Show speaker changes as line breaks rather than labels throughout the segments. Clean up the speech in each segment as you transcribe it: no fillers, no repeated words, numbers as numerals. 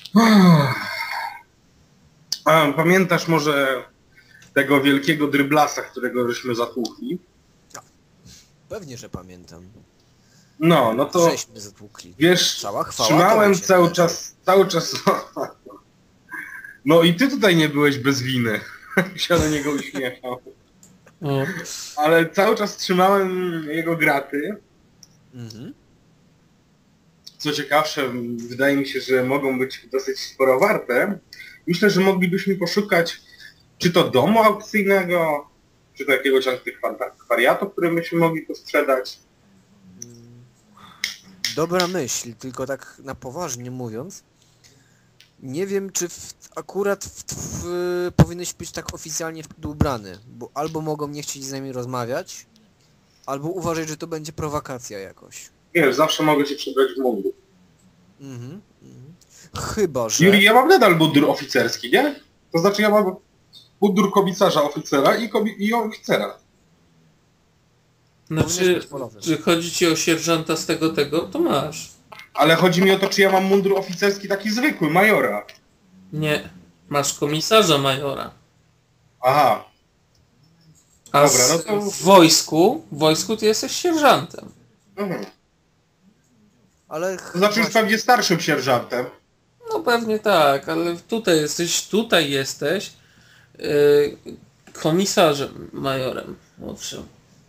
A pamiętasz może tego wielkiego dryblasa, którego żeśmy zatłukli?
Pewnie, że pamiętam.
No to
Żeśmy zatłukli.
wiesz,
Cała chwała
trzymałem
tobie się
cały czas. No i ty tutaj nie byłeś bez winy. Się do niego uśmiechał.
O,
Ale cały czas trzymałem jego graty.
Mhm.
Co ciekawsze, wydaje mi się, że mogą być dosyć sporo warte. Myślę, że moglibyśmy poszukać czy to domu aukcyjnego, czy to jakiegoś antykwariatu, który byśmy mogli posprzedać.
Dobra myśl, tylko tak na poważnie mówiąc, nie wiem, czy powinieneś być tak oficjalnie wtedy ubrany, bo albo mogą nie chcieć z nami rozmawiać, albo uważać, że to będzie prowokacja jakoś.
Wiesz, zawsze mogę się przebrać w mundur.
Mhm. Chyba, że...
Juri, ja mam nadal mundur oficerski, nie? To znaczy ja mam mundur komisarza oficera i oficera.
znaczy,
Powinieneś być polowy.
czy chodzi ci o sierżanta z tego, to masz.
Ale chodzi mi o to, czy ja mam mundur oficerski taki zwykły, majora.
Nie, masz komisarza majora.
Aha,
A
Dobra, no to-
w wojsku ty jesteś sierżantem.
mhm.
Ale
To znaczy już pewnie starszym sierżantem.
No pewnie tak, ale tutaj jesteś komisarzem majorem młodszym.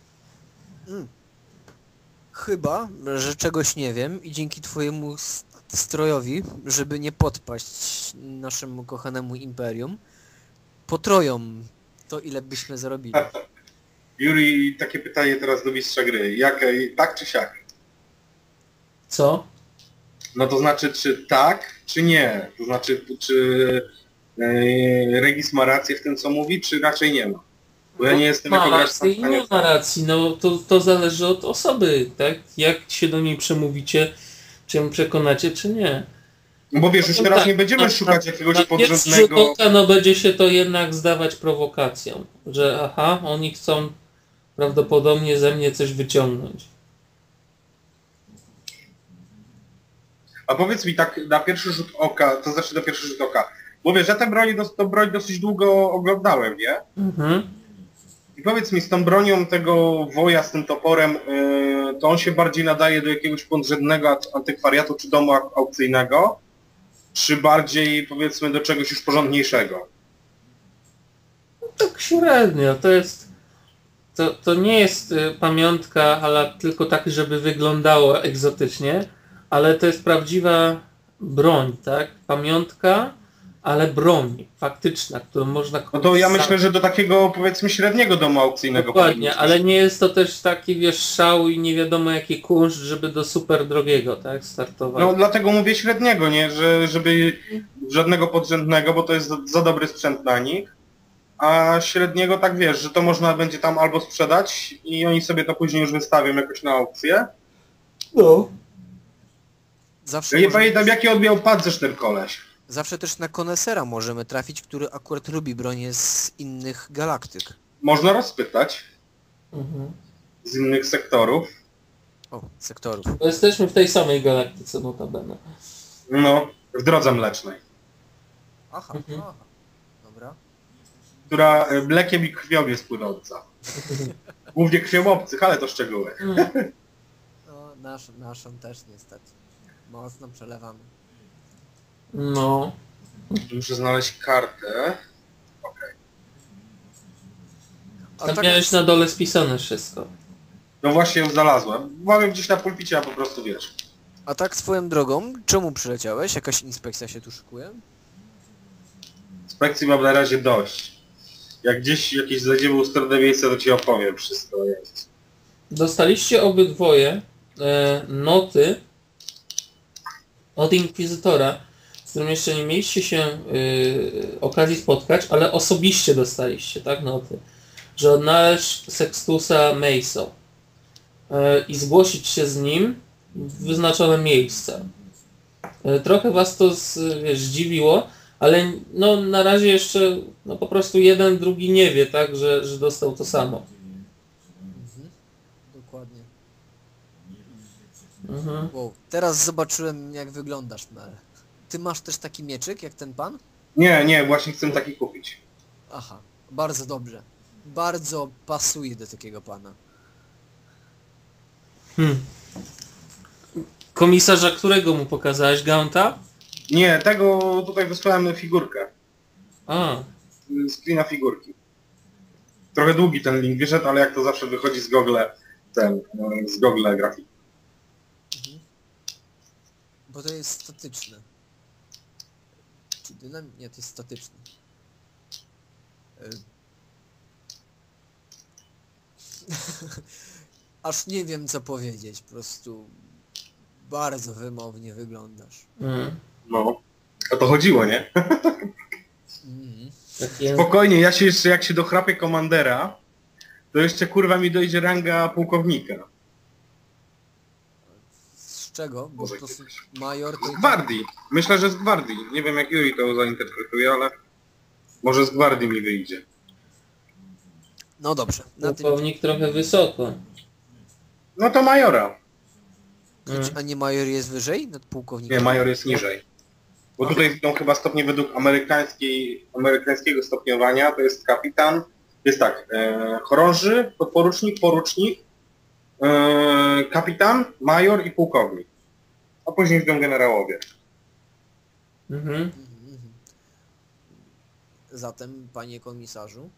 Chyba, że czegoś nie wiem i dzięki twojemu strojowi, żeby nie podpaść naszemu kochanemu imperium, potroją to, ile byśmy zarobili.
Juri, takie pytanie teraz do mistrza gry. Tak czy siak?
Co?
No to znaczy, czy tak, czy nie? To znaczy, czy Regis ma rację w tym, co mówi, czy raczej nie ma? Bo ja nie jestem jako
Ma
gracz
rację i nie
sam.
ma racji, no to zależy od osoby, tak? Jak się do niej przemówicie, czy ją przekonacie, czy nie.
No bo wiesz, już teraz
tak,
nie będziemy szukać jakiegoś
na pierwszy rzut
podrzędnego...
oka, no będzie się to jednak zdawać prowokacją, że aha, oni chcą prawdopodobnie ze mnie coś wyciągnąć.
A powiedz mi tak na pierwszy rzut oka, to znaczy na pierwszy rzut oka, bo wiesz, ja tę broń dosyć długo oglądałem, nie?
Mhm.
I powiedz mi, z tą bronią tego woja, z tym toporem, to on się bardziej nadaje do jakiegoś podrzędnego antykwariatu czy domu aukcyjnego, czy bardziej, powiedzmy, do czegoś już porządniejszego?
Tak średnio, to nie jest pamiątka, ale tylko tak, żeby wyglądało egzotycznie, ale to jest prawdziwa broń, tak? Pamiątka, ale broń faktyczna, którą można...
No to ja myślę, że do takiego, powiedzmy, średniego domu aukcyjnego
Dokładnie,
powinniśmy
ale nie jest to też taki, wiesz, szał i nie wiadomo jaki kunszt, żeby do super drogiego, tak, startować.
No dlatego mówię średniego, nie? Żeby żadnego podrzędnego, bo to jest za dobry sprzęt na nich. A średniego tak wiesz, że to można będzie tam albo sprzedać i oni sobie to później już wystawią jakoś na aukcję.
No.
Zawsze,
Ja nie pamiętam jaki on miał pancerz ten koleś.
zawsze też na konesera możemy trafić, który akurat lubi bronię z innych galaktyk.
Można rozpytać
Mhm.
z innych sektorów.
O, sektorów.
Bo jesteśmy w tej samej galaktyce notabene.
No, w drodze mlecznej.
Aha,
Mhm.
aha. Dobra.
Która mlekiem i krwią jest płynąca. Głównie krwią obcych, ale to szczegóły.
No, naszą też niestety. Mocno przelewamy.
No.
Muszę znaleźć kartę.
A
Tam
tak,
miałeś na dole spisane wszystko.
No właśnie ją znalazłem. Mam ją gdzieś na pulpicie, a po prostu wiesz.
a tak swoją drogą, czemu przyleciałeś? Jakaś inspekcja się tu szykuje?
Inspekcji mam na razie dość. Jak gdzieś jakieś znajdziemy ustronne miejsce, to ci opowiem wszystko. Jest.
Dostaliście obydwoje noty od Inkwizytora, z którym jeszcze nie mieliście się okazji spotkać, ale osobiście dostaliście, tak, noty, że odnaleźć Sextusa Meiso i zgłosić się z nim w wyznaczone miejsce. Trochę was to zdziwiło, ale no na razie jeszcze no po prostu jeden, drugi nie wie, tak, że dostał to samo.
Dokładnie.
Mhm.
Wow, teraz zobaczyłem jak wyglądasz, Mel. ty masz też taki mieczyk jak ten pan?
Nie, właśnie chcę taki kupić.
Aha, bardzo dobrze. Bardzo pasuje do takiego pana.
Komisarza, którego mu pokazałeś? Gaunta?
Nie, tego tutaj wysłałem figurkę.
A,
Screena figurki. Trochę długi ten link wyszedł, ale jak to zawsze wychodzi z Google, z Google grafiki.
Bo to jest statyczne. Czy dynamik? Nie, to jest statyczne. Aż nie wiem co powiedzieć, po prostu bardzo wymownie wyglądasz.
No, o to chodziło, nie?
Mhm.
takie...
Spokojnie, ja się jeszcze jak się dochrapię komandera, to jeszcze kurwa mi dojdzie ranga pułkownika.
Z czego? Bo
Boże,
po prostu
kiedyś.
major to
Z
i tak...
gwardii. Myślę, że z gwardii. Nie wiem jak Yuri to zainterpretuje, ale może z gwardii mi wyjdzie.
No dobrze, na tym...
Pułkownik trochę wysoko.
No to majora.
A nie major jest wyżej nad pułkownikiem?
Nie, major jest niżej. Bo tutaj idą chyba stopnie według amerykańskiego stopniowania, to jest kapitan, jest tak, chorąży, podporucznik, porucznik, kapitan, major i pułkownik. A później idą generałowie.
Mhm. Zatem, panie komisarzu,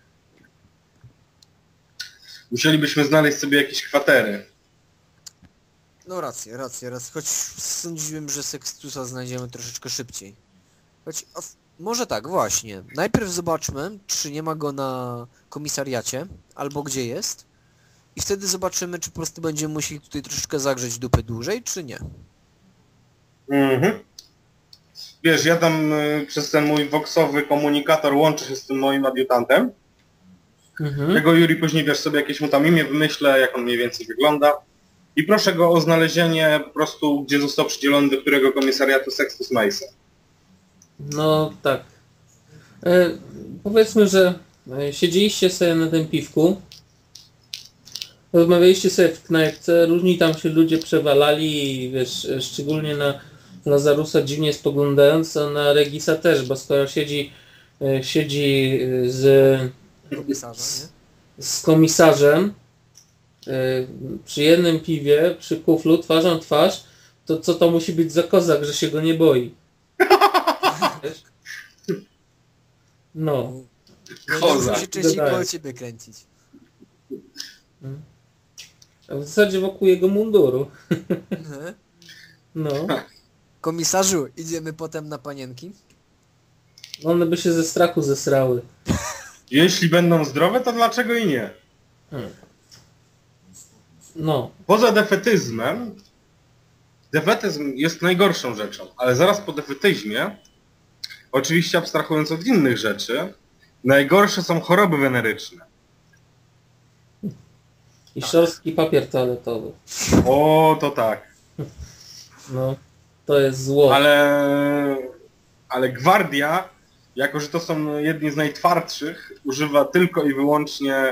Musielibyśmy znaleźć sobie jakieś kwatery.
no rację, choć sądziłem, że Sextusa znajdziemy troszeczkę szybciej. Choć, może tak, właśnie. Najpierw zobaczmy, czy nie ma go na komisariacie, albo gdzie jest. I wtedy zobaczymy, czy po prostu będziemy musieli tutaj troszeczkę zagrzeć dupy dłużej, czy nie.
Mhm. Wiesz, ja tam przez ten mój voxowy komunikator łączę się z tym moim adiutantem. Tego Yuri później, wiesz, sobie jakieś mu tam imię wymyślę, jak on mniej więcej wygląda. I proszę go o znalezienie po prostu, gdzie został przydzielony do którego komisariatu Sextus Mason.
No tak. Powiedzmy, że siedzieliście sobie na tym piwku, rozmawialiście sobie w knajpce, różni tam się ludzie przewalali i wiesz, szczególnie na Lazarusa dziwnie spoglądając, a na Regisa też, bo skoro siedzi
Komisarza, nie?
z komisarzem przy jednym piwie, przy kuflu, twarzą w twarz, to co to musi być za kozak, że się go nie boi? Wiesz? No.
Koza.
Musi się częściej
Dodałem.
koło ciebie kręcić.
A w zasadzie wokół jego munduru.
Mhm.
No.
Komisarzu, idziemy potem na panienki?
One by się ze strachu zesrały.
Jeśli będą zdrowe, to dlaczego i nie?
No.
Poza defetyzmem, defetyzm jest najgorszą rzeczą, ale zaraz po defetyzmie, oczywiście abstrahując od innych rzeczy, najgorsze są choroby weneryczne.
I szorstki papier toaletowy.
O, to tak.
No. To jest zło.
Ale gwardia, jako że to są jedni z najtwardszych, używa tylko i wyłącznie,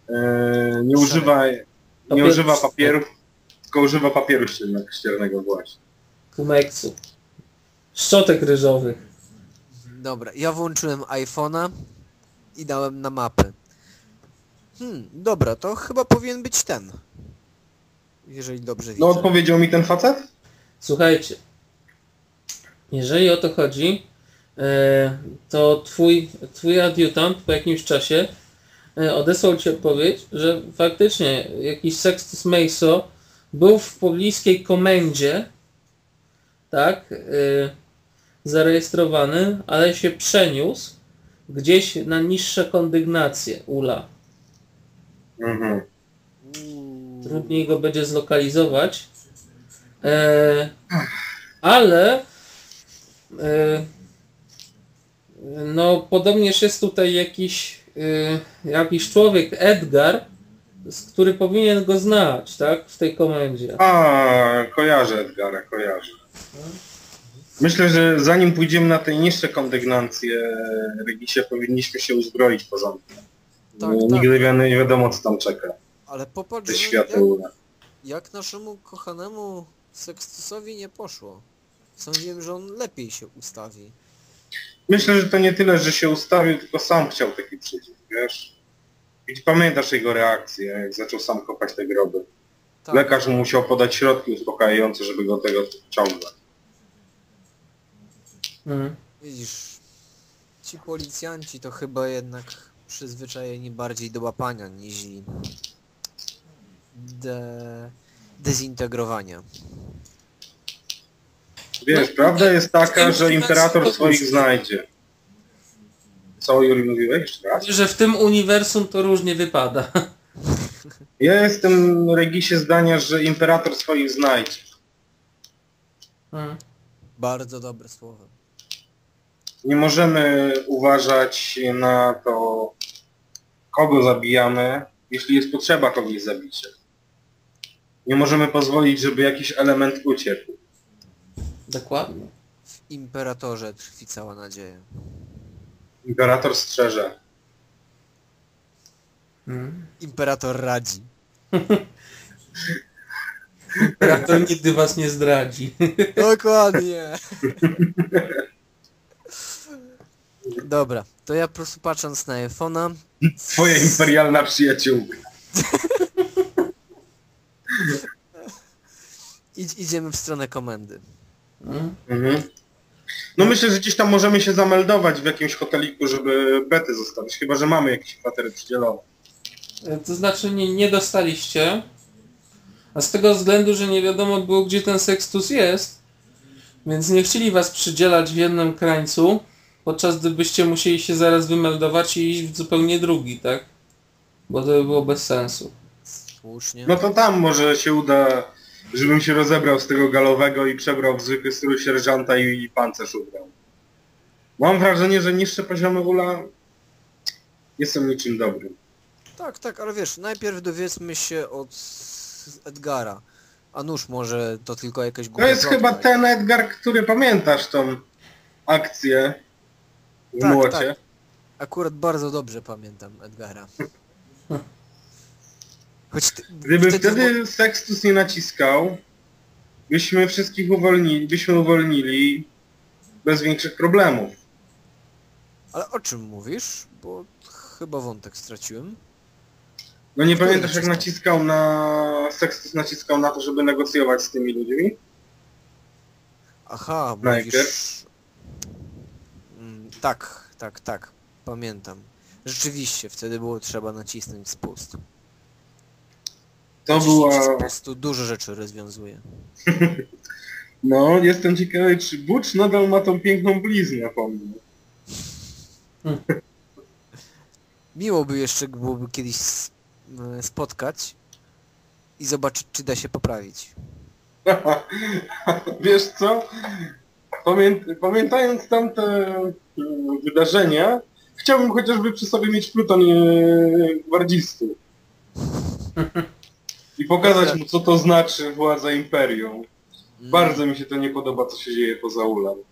nie używa papierów, tylko używa papieru ściernego właśnie.
Kumeksu. Szczotek ryżowych.
Dobra, ja włączyłem iPhone'a i dałem na mapę. Dobra, to chyba powinien być ten. Jeżeli dobrze widzę.
No odpowiedział mi ten facet?
Słuchajcie. Jeżeli o to chodzi, to twój adiutant po jakimś czasie odesłał ci odpowiedź, że faktycznie jakiś Sextus Mason był w pobliskiej komendzie, tak, zarejestrowany, ale się przeniósł gdzieś na niższe kondygnacje ULA.
Mhm.
Trudniej go będzie zlokalizować. Ale no podobnież jest tutaj jakiś człowiek, Edgar, który powinien go znać, tak, w tej komendzie.
Kojarzę Edgara, kojarzę. Myślę, że zanim pójdziemy na te niższe kondygnacje, Regisie, powinniśmy się uzbroić porządnie.
Tak,
Nigdy nie wiadomo, co tam czeka.
Ale
Te
popatrz,
światełka.
jak naszemu kochanemu Sextusowi nie poszło Sądziłem, że on lepiej się ustawi.
Myślę, że to nie tyle, że się ustawił, tylko sam chciał taki przycisk, wiesz? I pamiętasz jego reakcję, jak zaczął sam kopać te groby.
Tak,
Lekarz mu musiał podać środki uspokajające, żeby go do tego ciągnąć.
widzisz, ci policjanci to chyba jednak przyzwyczajeni bardziej do łapania niż dezintegrowania.
Wiesz,
No,
prawda jest taka,
w
że
tym
imperator
uniwersum
swoich
to
znajdzie. Co, Juri, mówiłeś jeszcze raz?
Że w tym uniwersum to różnie wypada.
Ja jestem, Regisie, zdania, że imperator swoich znajdzie.
Bardzo dobre słowo.
Nie możemy uważać na to, kogo zabijamy, jeśli jest potrzeba kogoś zabicia. Nie możemy pozwolić, żeby jakiś element uciekł.
Dokładnie.
W Imperatorze tkwi cała nadzieja.
Imperator strzeże.
Imperator radzi.
Imperator nigdy was nie zdradzi.
Dokładnie. Dobra, to ja po prostu patrząc na iPhone'a...
Twoja imperialna przyjaciółka.
Idziemy w stronę komendy.
Mhm. No myślę, że gdzieś tam możemy się zameldować w jakimś hoteliku, żeby bety zostawić, chyba że mamy jakieś kwatery przydzielone.
To znaczy nie dostaliście. A z tego względu, że nie wiadomo było, gdzie ten Sextus jest, więc nie chcieli was przydzielać w jednym krańcu, podczas gdybyście musieli się zaraz wymeldować i iść w zupełnie drugi, tak? Bo to by było bez sensu.
Słusznie.
No to tam może się uda, żebym się rozebrał z tego galowego i przebrał w zwykły strój sierżanta i pancerz ubrał. Mam wrażenie, że niższe poziomy ula nie są niczym dobrym.
Tak, ale wiesz, najpierw dowiedzmy się od Edgara. A nuż może to tylko jakaś
To
głupia
jest
plotka.
chyba ten Edgar, który pamiętasz tą akcję w
Tak,
młocie.
tak. Akurat bardzo dobrze pamiętam Edgara. Choć
Gdyby wtedy Sextus nie naciskał, byśmy wszystkich uwolnili bez większych problemów.
Ale o czym mówisz? Bo chyba wątek straciłem.
No nie
Który
pamiętasz jak
naciskał?
Sextus naciskał na to, żeby negocjować z tymi ludźmi?
Aha,
Najpierw.
mówisz... Tak, pamiętam. Rzeczywiście, wtedy było trzeba nacisnąć spust.
To
Naciśnięcie
była...
spustu dużo rzeczy rozwiązuje.
No, jestem ciekawy, czy Butch nadal ma tą piękną bliznę po mnie.
Miło by jeszcze byłoby kiedyś spotkać i zobaczyć, czy da się poprawić.
Wiesz co? Pamiętając tamte wydarzenia, chciałbym chociażby przy sobie mieć pluton gwardzistów. I pokazać mu, co to znaczy władza imperium. Bardzo mi się to nie podoba, co się dzieje poza ulem.